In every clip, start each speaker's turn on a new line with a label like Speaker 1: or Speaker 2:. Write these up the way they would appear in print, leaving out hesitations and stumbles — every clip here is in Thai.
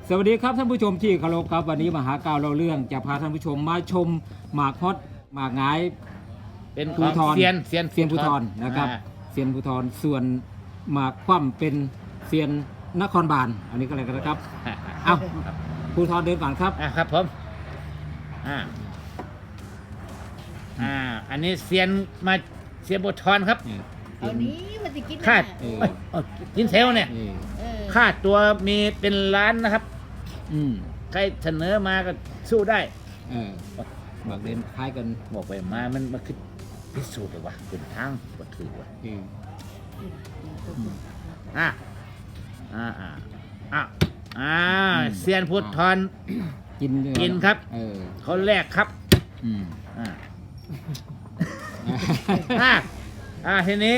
Speaker 1: สวัสดีครับท่านผู้ชมที่เคารพครับวันนี้มหาการเราเรื่องจะพาท่านผู้ชมมาชมหมากฮอตหมากหงาย
Speaker 2: เป็นข
Speaker 1: ภู
Speaker 2: อง
Speaker 1: ธร
Speaker 2: เซียน
Speaker 1: เซียนภูธรนะครับเซียนภูธรส่วนหมากคว่ำเป็นเซียนนครบาลอันนี้ก็เลยกันนะครับ เอ้า ภูธรเดินก่อนครับ
Speaker 2: ครับผมอ่าอันนี้เซียนมาเซียนบททอนครับ
Speaker 3: เอานี้มันจะกิน
Speaker 2: คาด
Speaker 1: เออ
Speaker 2: กินเซลเนี่ย
Speaker 1: เออ
Speaker 2: ค่าตัวมีเป็นล้านนะครับ
Speaker 1: อืม
Speaker 2: ใครเสนอมาก็สู้ได้
Speaker 1: เออหมากเดินคล้ายกัน
Speaker 2: บอกไปมามันคือพิสูจน์เลยว่ะเป็นทางบทถือว่ะ
Speaker 1: เออ
Speaker 2: อ่าเซียนพุทธทอน
Speaker 1: กินเลย
Speaker 2: กินครับ
Speaker 1: เออ
Speaker 2: เขาแรกครับ
Speaker 1: อืม
Speaker 2: ทีนี้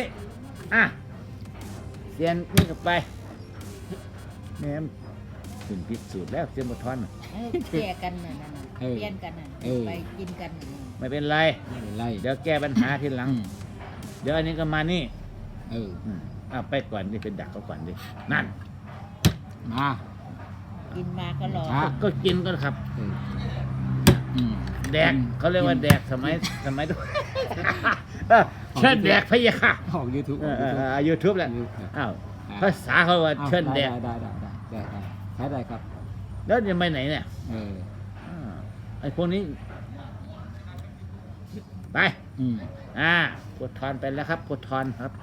Speaker 2: เซียนนี่กับไปแม่มถึงพิสูจน์แล้วเซียนพุทธทอน
Speaker 3: แก่กันน่ะเปลี่ยนกันน่ะไปกินกันน่ะ
Speaker 2: ไม่เป็นไร
Speaker 1: ไม่เป็นไร
Speaker 2: เดี๋ยวแก้ปัญหาทีหลัง เดี๋ยวอันนี้ก็มานี่
Speaker 1: เออ
Speaker 2: ไปก่อนดิเป็นดักเขาก่อนดินั่น
Speaker 1: มา
Speaker 3: กินมาก็รอ
Speaker 2: ก็กินก็ครับ
Speaker 1: เอออืม
Speaker 2: แดกเขาเรียกว่าแดกสมัยด้วย เชิญแดกพะยะค่ะ
Speaker 1: ออกยูทูบ
Speaker 2: ยูทูบแหละอ้าวภาษาเขาว่าเชิญแดก
Speaker 1: ได้ใช้ได้ครับ
Speaker 2: แล้วจะไปไหนเนี่ย
Speaker 1: เออ
Speaker 2: ไอ้พวกนี้ ไป
Speaker 1: อืม
Speaker 2: กดทอนไปแล้วครับกดทอนครับ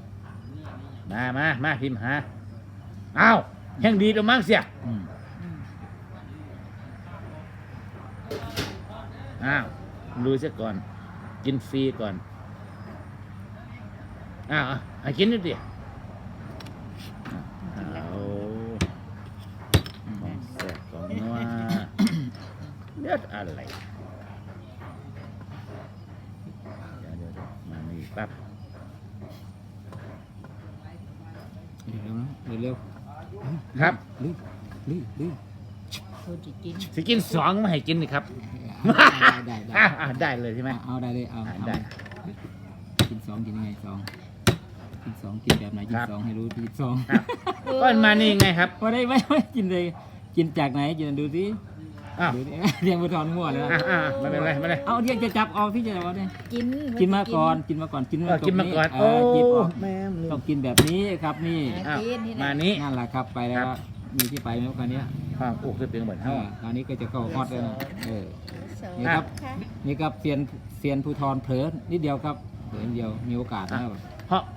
Speaker 2: มาพิมพ์หาอ้าวแห่งดีตัวมั้งเสีย
Speaker 1: อืม
Speaker 2: ดูเสียก่อน กินฟรีก่อนให้กินนิดเดียวของแซ่บของนัวเลือดอะไรเดี๋ยวมานี่ปั๊บ
Speaker 1: เร็ว
Speaker 2: ครับ
Speaker 1: รีบ
Speaker 3: คนจะกิน
Speaker 2: สิกินสองไม่ให้กินนี่ครับ
Speaker 1: ได้
Speaker 2: ได้เลยใช่ไหม
Speaker 1: เอาได้เลยเอา
Speaker 2: ได้
Speaker 1: กินสองกินยังไงสองกินสองกินแบบไหนกินสองให้รู้กินสอง
Speaker 2: ก็มานี่ไงครับ
Speaker 1: ไม่ได้ไม่กินเลยกินจากไหนกินดูสิ
Speaker 2: อ้าว
Speaker 1: ดูดิเรียงไปทอนมั่วเลย
Speaker 2: ไม่เป็นไรไม่เป็นไร
Speaker 1: เอาเรียงจะจับเอาที่จะเอาเนี่ย
Speaker 3: กิน
Speaker 1: มาก่อนกินมาก่อน
Speaker 2: กินมาก่อน
Speaker 1: หยิบออก
Speaker 2: แม่
Speaker 1: ต้องกินแบบนี้ครับนี่
Speaker 2: มานี้
Speaker 1: นั่นแหละครับไปแล้วมีที่ไปไหมคราวนี้
Speaker 2: ความอกจะเป็นเหมือนเท่า
Speaker 1: คราวนี้ก็จะเข้าฮอตแล้วนะนี่ครับนี่ครับเซียนภูธรเผลอนิดเดียวครับเผลอนิดเดียวมีโอกาสนะครับ
Speaker 2: เพราะ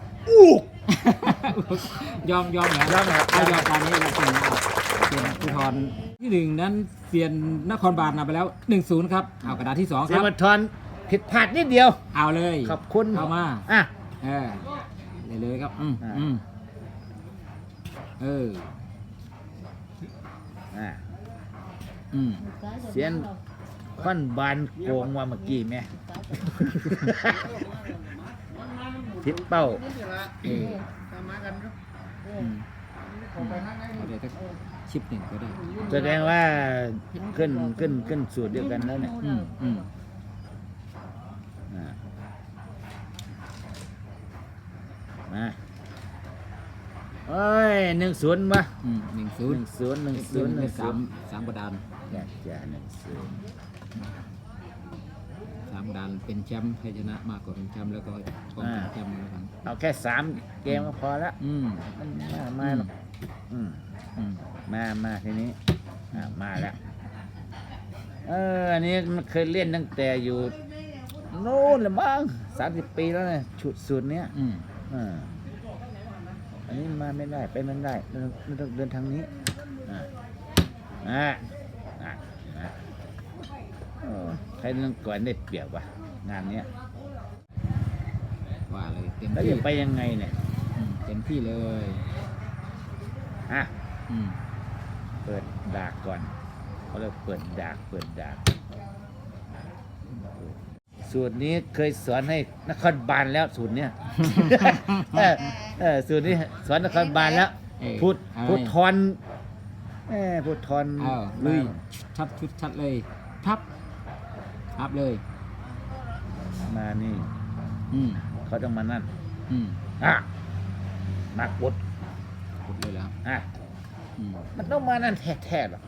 Speaker 1: ยอมเหรอย
Speaker 2: อมครับ
Speaker 1: ยอมตอนนี้เราเซียนภูธรที่หนึ่งนั้นเซียนนครบาลนำไปแล้ว 1-0 ครับเอากระดาษที่2
Speaker 2: เสี
Speaker 1: ค
Speaker 2: ย
Speaker 1: รับ
Speaker 2: มาทอนผิดพลาดนิดเดียว
Speaker 1: เอาเลย
Speaker 2: ขอบคุณ
Speaker 1: เอามา
Speaker 2: อ่ะ
Speaker 1: เลยครับ
Speaker 2: เสียนค่อนบานโกงว่าเมื่อกี้แม่ทิศเป้า
Speaker 1: เอาเดี๋ยวก็ชิปหนึ่งก็ได้
Speaker 2: แสดงว่าขึ้นสูตรเดียวกันแล้วเนี่ยมาเอ้ย1-0วะ
Speaker 1: 1-0 สามกระดาน
Speaker 2: จะ1-0
Speaker 1: 3กระดานเป็นแชมป์ใครชนะมากกว่าเป็นแชมป์แล้วก็ป้องกันแชมป์แล้วกัน
Speaker 2: เอาแค่3เกมก็พอละมาหรอกมาทีนี้มาแล้วอันนี้มันเคยเล่นตั้งแต่อยู่โน่นเลยมั้ง30 ปีแล้วเนี่ยชุดสูตรเนี้ยอันนี้มาไม่ได้ไปไม่ได้ต้องเดินทางนี้ใครเรื่องก่อนได้เปรียบว่ะงานเนี้ย
Speaker 1: ว่าเลยเต็ม
Speaker 2: แล้ว
Speaker 1: ที่
Speaker 2: จะไปยังไงเนี่ย
Speaker 1: เต็มที่เลย
Speaker 2: เปิดดากก่อนเขาเรียกเปิดดากสูตรนี้เคยสอนให้นครบาลแล้วสูตรเนี้ย สูตรนี้สอนนครบาลแล้วพูดทอน
Speaker 1: ลุยชัดเลยพับเลย
Speaker 2: มานี่ เขาต้องมานั่น
Speaker 1: ม
Speaker 2: มากด
Speaker 1: เลยแล้วอืม
Speaker 2: มันต้องมานั่นแท้ๆหรอก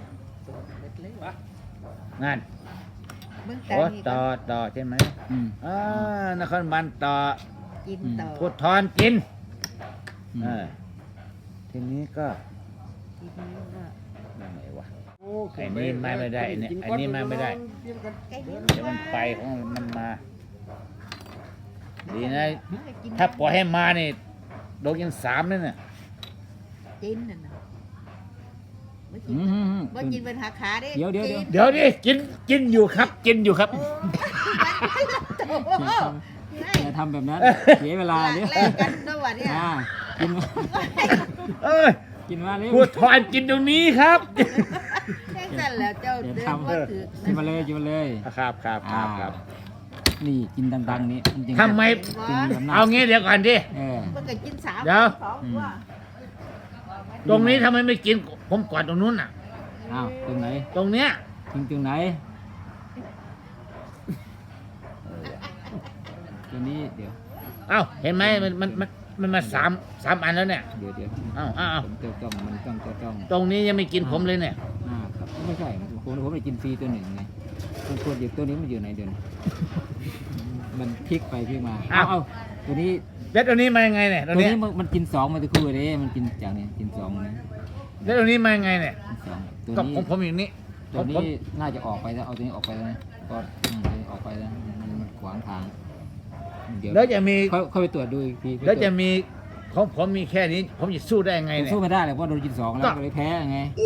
Speaker 2: นั่น
Speaker 3: เมือง
Speaker 2: โอ้
Speaker 3: กาญนี่
Speaker 2: ต่อใช่ไหม
Speaker 1: อืม
Speaker 2: นครบาลต่อ
Speaker 3: กินต่อ
Speaker 2: พุทธรกิน
Speaker 1: อืม
Speaker 2: ทีนี้ก็
Speaker 3: ทีนี้ก็
Speaker 2: ยังไงวะไอ้นี่มาไม่ได้เนี่ยอันนี้มาไม่ได้
Speaker 3: ไก่นี่
Speaker 2: เดี๋ยวมันไปของมันมา ดีนะ
Speaker 3: กิน
Speaker 2: ถ้าปล่อยให้มานี่โดนยัง3เลยเนี่ย
Speaker 3: กินนั่นน่ะบ่กิ
Speaker 1: อื
Speaker 3: น
Speaker 1: ม
Speaker 3: บ่กินเป็นหาขาเด้
Speaker 1: เดี๋ยว
Speaker 3: กิน
Speaker 2: เดี๋ยวดิกินอยู่ครับ กินอยู่ครับ
Speaker 1: อย่าทำแบบนั้นเสียเวลาเดี๋ยว
Speaker 3: แลกกันด้วยวะเนี่ย
Speaker 1: กินมา
Speaker 2: เอ้ย
Speaker 1: กินมาเร็ว
Speaker 2: พูดทอนกินตรงนี้ครับ
Speaker 3: แค่นั้นแล้วเจ้า
Speaker 1: อย่า
Speaker 3: เดิน
Speaker 1: ทำ
Speaker 3: บ่ถือ
Speaker 1: กินมาเลยกินมาเลย
Speaker 2: ครับ
Speaker 1: นี่กินดังๆนี้มันจริง
Speaker 2: ทำไม
Speaker 1: กินแบบนั้น
Speaker 2: เอางี้เดี๋ยวก่อนดิ
Speaker 3: มันก็กิน3
Speaker 2: เดี๋ยว
Speaker 3: 2ตัว
Speaker 2: ตรงนี้ทำไมไม่กิน ผมก่อนตรงนู้นน่ะ
Speaker 1: อ้าวตรงไหน
Speaker 2: ตรงเนี้ย
Speaker 1: ตรงไหนตัวนี้เดี๋ยว
Speaker 2: เอ้าเห็นไหมมันมาสามอันแล้วเนี่ย
Speaker 1: เดี๋ยว
Speaker 2: เอ้า
Speaker 1: ผมต้องมันต้อง
Speaker 2: ตรงนี้ยังไม่กินผมเลยเนี่ย
Speaker 1: ครับไม่ใช่ผมไม่กินฟรีตัวหนึ่งไงผมควรอยู่ตัวนี้มันอยู่ไหนเดินมันพลิกไปพลิกมา
Speaker 2: อ้าว
Speaker 1: เอาตัวนี้
Speaker 2: แล้วตัวนี้มายังไงเนี่ย
Speaker 1: ตัวนี้มันกินสองมาตะคู่เลยมันกินจากนี้กินสองนะ
Speaker 2: แล้วตัวนี้มายังไงเนี่ย
Speaker 1: กินสองตัว
Speaker 2: กับ
Speaker 1: นี้
Speaker 2: ผมอย่างนี้
Speaker 1: ตัวนี้น่าจะออกไปแล้วเอาตัวนี้ออกไปแล้วนะก็ออกไปแล้วมันขวางทางเดี๋ยว
Speaker 2: แล้วจะมี
Speaker 1: ค่อยไปตรวจดูอีกที
Speaker 2: แล้วจะมีของผมมีแค่นี้ ผมจะสู้ได้ยังไง
Speaker 1: ผม
Speaker 2: เนี่ย
Speaker 1: สู้ไม่ได้เลยเพราะโดนกินสองแล้วก็เลยแพ้ไง
Speaker 2: อู้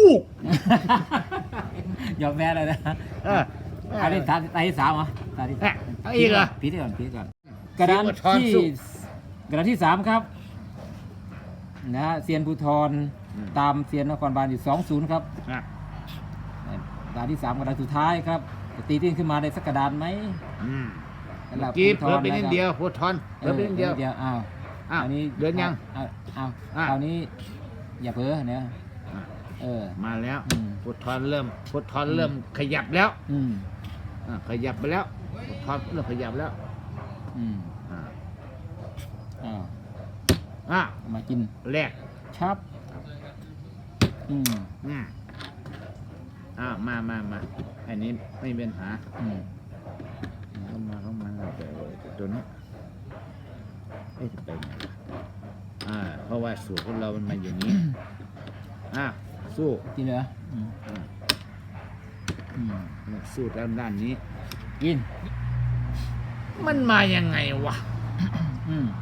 Speaker 1: ยอมแพ้เลยนะ
Speaker 2: เออ
Speaker 1: อันนี้ตาที่สามเหรอตาที่
Speaker 2: เอาอีกเหรอ
Speaker 1: พีที่ก่อนกระดาน
Speaker 2: เสียงอุทธรณ์
Speaker 1: ที่
Speaker 2: สู้
Speaker 1: กระดานที่สามครับนะฮะเซียนภูทร
Speaker 2: อืม
Speaker 1: ตามเซียนนครบาลอยู่2-0ครับ
Speaker 2: อ่ะ
Speaker 1: กระดานที่3กระดานสุดท้ายครับจะตีตื้นขึ้นมาได้สักกระดานไหม
Speaker 2: อืม
Speaker 1: สำหรับ
Speaker 2: กีบ
Speaker 1: ภู
Speaker 2: เหลือ
Speaker 1: ธร
Speaker 2: ไปนิด
Speaker 1: นะครับ
Speaker 2: เดียวพูดทอนเหลือไปนิดเดียว
Speaker 1: อ้าว
Speaker 2: อ้าว
Speaker 1: อันนี้
Speaker 2: เดินยัง
Speaker 1: อ้าว
Speaker 2: อ่ะ
Speaker 1: คราวนี้อย่าเพ้อเนี่ย
Speaker 2: อ่ะ
Speaker 1: เออ
Speaker 2: มาแล้ว
Speaker 1: อืม
Speaker 2: พูดทอนเริ่มขยับแล้ว
Speaker 1: อืม
Speaker 2: ขยับไปแล้วพูดทอนเริ่มขยับแล้ว
Speaker 1: อืม
Speaker 2: อ่ะ
Speaker 1: อ้าว
Speaker 2: อ่ะ
Speaker 1: มากิน
Speaker 2: แรก
Speaker 1: ชับอืม
Speaker 2: อืมมาอันนี้ไม่มีปัญหา
Speaker 1: อืม
Speaker 2: เข้ามาแต่ตัวนี้จะไปไงวะเพราะว่าสูตรของเรามันมาอย่างนี้ สู้
Speaker 1: กินเหรออืม
Speaker 2: อ่า
Speaker 1: อืม
Speaker 2: สู้ด้านนี้
Speaker 1: กิน
Speaker 2: มันมายังไงวะ
Speaker 1: อืม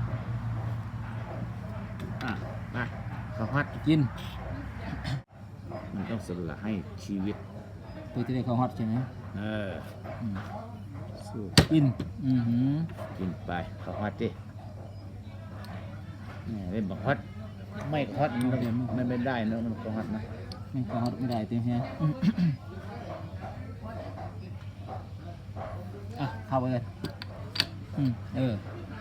Speaker 2: มาข้าวฮัด
Speaker 1: กิน
Speaker 2: มันต้องสละให้ชีวิต
Speaker 1: ตัวที่ได้ข้าวฮอตใช่ไหม อืม
Speaker 2: สู้
Speaker 1: กิน อือหือ
Speaker 2: กินไปข้าวฮัดดิเนี่ยเล่นบอกฮัดไม่ฮอตมันไม่ได้เนอะมันข้าวฮัดนะ
Speaker 1: ไม่ข้าวฮอตไม่ได้เต็มแฮะอ่ะเข้าไปเลยเออ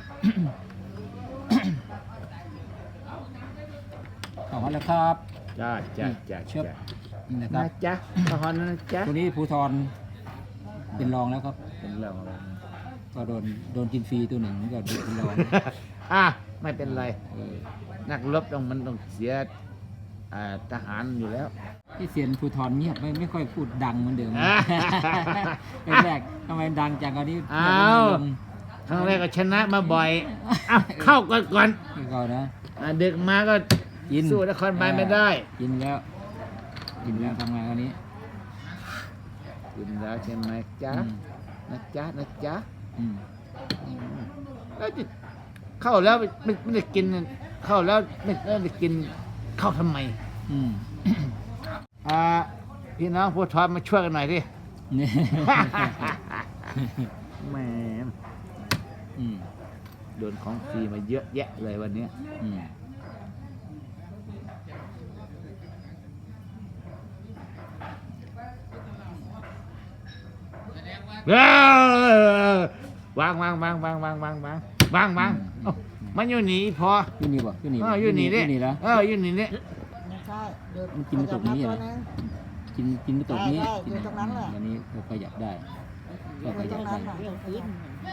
Speaker 1: ข้าวฮอตแล้วครับ
Speaker 2: จ้า
Speaker 1: เชิบ นี่นะค
Speaker 2: นะ
Speaker 1: รับ
Speaker 2: จ๊ะข้าวฮัดนะจ๊ะ
Speaker 1: ตัวนี้ภูทรเป็นรองแล้วครับ
Speaker 2: เป็นเรื่องของเรา
Speaker 1: ก็โดนกินฟรีตัวหนึ่งก็เป็นรอง
Speaker 2: ไม่เป็นไร นักรบมันต้องเสียทหารอยู่แล้ว
Speaker 1: ที่เสียนภูทรเงียบไม่ค่อยพูดดังเหมือนเดิม แรกๆทำไมดังจังอันนี้
Speaker 2: อ้าว ครั้งแรกก็ชนะมาบ่อยเข้าก่อน
Speaker 1: ก่อนนะ
Speaker 2: ดึกมาก็
Speaker 1: กิน
Speaker 2: สู้นครบาลไม่ได้
Speaker 1: กินแล้วทำไงคราวนี้
Speaker 2: กินแล้วใช่ไหมจ๊ะ
Speaker 1: อืม
Speaker 2: นะจ๊ะ
Speaker 1: อืม
Speaker 2: แล้วจะเข้าแล้วไม่ได้กินเข้าแล้วไม่ได้กินเข้าทำไม
Speaker 1: อืม
Speaker 2: พี่น้องผู้ทอนมาช่วยกันหน่อยดิ
Speaker 1: นี่
Speaker 2: แหม
Speaker 1: อืม
Speaker 2: โดนของฟรีมาเยอะแยะเลยวันนี้
Speaker 1: อืม
Speaker 2: วางเอ้ามันอยู่หนีพอ
Speaker 1: อยู่นี่บ่อยู่นี่
Speaker 2: อยู่หนีดิ
Speaker 1: อยู่นี่แล้ว
Speaker 2: อยู่หนีดิ
Speaker 3: ไม่ใช่เดี๋ยว
Speaker 1: มันกินไม่ตกนี้เหรอ กินไม่ตกนี้
Speaker 3: ได้อยู่ตรงนั้นแหละ
Speaker 1: อันนี้เราขยับได้ก็ข
Speaker 3: ต
Speaker 1: ยั
Speaker 3: ร
Speaker 1: บ
Speaker 3: ง
Speaker 1: ได้
Speaker 3: นั้นน่ะเรื่องกิน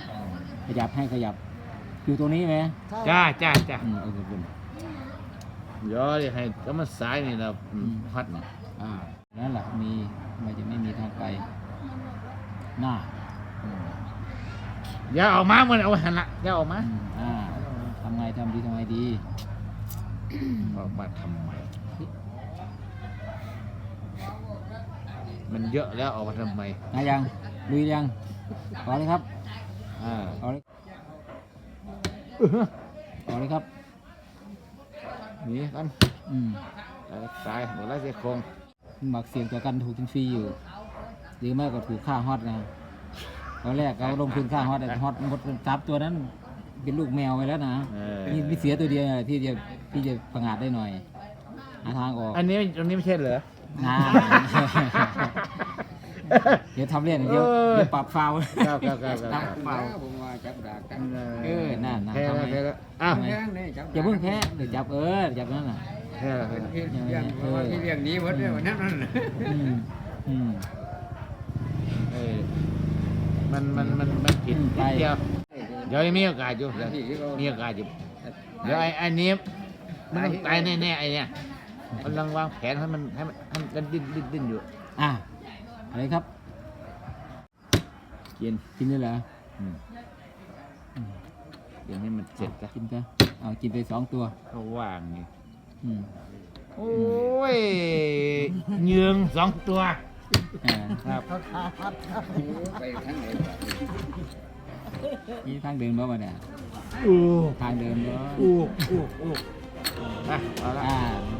Speaker 1: ขยับให้ขยับ อยู่ตรงนี้ไหม
Speaker 2: จ้า
Speaker 1: โอเคคุณ
Speaker 2: เดี๋ยวให้ก็มันสายนี่เราพัดนี่
Speaker 1: นั่นแหละมีมันจะไม่มีทางไปหน้า
Speaker 2: อย่าออกมาเหมือนเอาหันละอย่าออกมา
Speaker 1: ทำไงทำดีทำไงดี
Speaker 2: ออกมาทำไมมันเยอะแล้วออกมาทำไม
Speaker 1: นะยังลุยยังขอเลยครับ
Speaker 2: อ่า
Speaker 1: ขอเลยขอเลยครับ
Speaker 2: หนีกัน ตายหมดแล้วเสียโครง
Speaker 1: หมักเสียงตัวกันถูกกินฟรีอยู่หรือไม่ก็ถูกฆ่าฮอตนะตอนแรกเราลงทุนฆ่าฮอตฮอตหมดซับตัวนั้นเป็นลูกแมวไปแล้วนะนี่มีเสียตัวเดียวที่จะประงาดได้หน่อยหาทางออก
Speaker 2: อันนี้ไม่ใช่เหรอ
Speaker 1: นะเดี๋ยวทำเล่นเดี๋ยวปรับฟาว
Speaker 2: ครับ
Speaker 1: ฟาว
Speaker 4: ผมว่าจับดากัน
Speaker 1: นั่น
Speaker 2: แพ้
Speaker 1: ทำ
Speaker 2: แล้ว
Speaker 1: ไม
Speaker 2: แพ้แล้วอ้าว
Speaker 4: แย่งนี่จับ
Speaker 1: อย่าเพิ่งแพ้เดี๋ยวจับจับนั่นน่ะ
Speaker 2: แพ้แล้วแพ้แล้ว
Speaker 4: ที่เลี้ยงเพราะว่าที่เลี้ยงนี้หมดเลยวันนั้นนั่น
Speaker 2: เอ้ยมันผิดเดียวเดี๋ยวมีโอกาสอยู่มีโอกาสอยู่เดี๋ยวไอ้นี้มันต้องตายแน่ๆไอ้เนี่ยมันกำลังวางแผนให้มันดิ้นอยู่
Speaker 1: อะไรครับ กินได้เหรอ
Speaker 2: เดี๋ยวนี้มันเสร็จแล้ว
Speaker 1: กินซะกินไป2 ตัว
Speaker 2: เขาว่างไง
Speaker 1: อืม
Speaker 2: โอ้ยเยือง2 ตัว ครับ
Speaker 4: ไปทั้งไหน
Speaker 1: นี่ทางเดินบ่มาเนี่ยทางเดินบ่
Speaker 2: ไปเอาละ
Speaker 1: โอ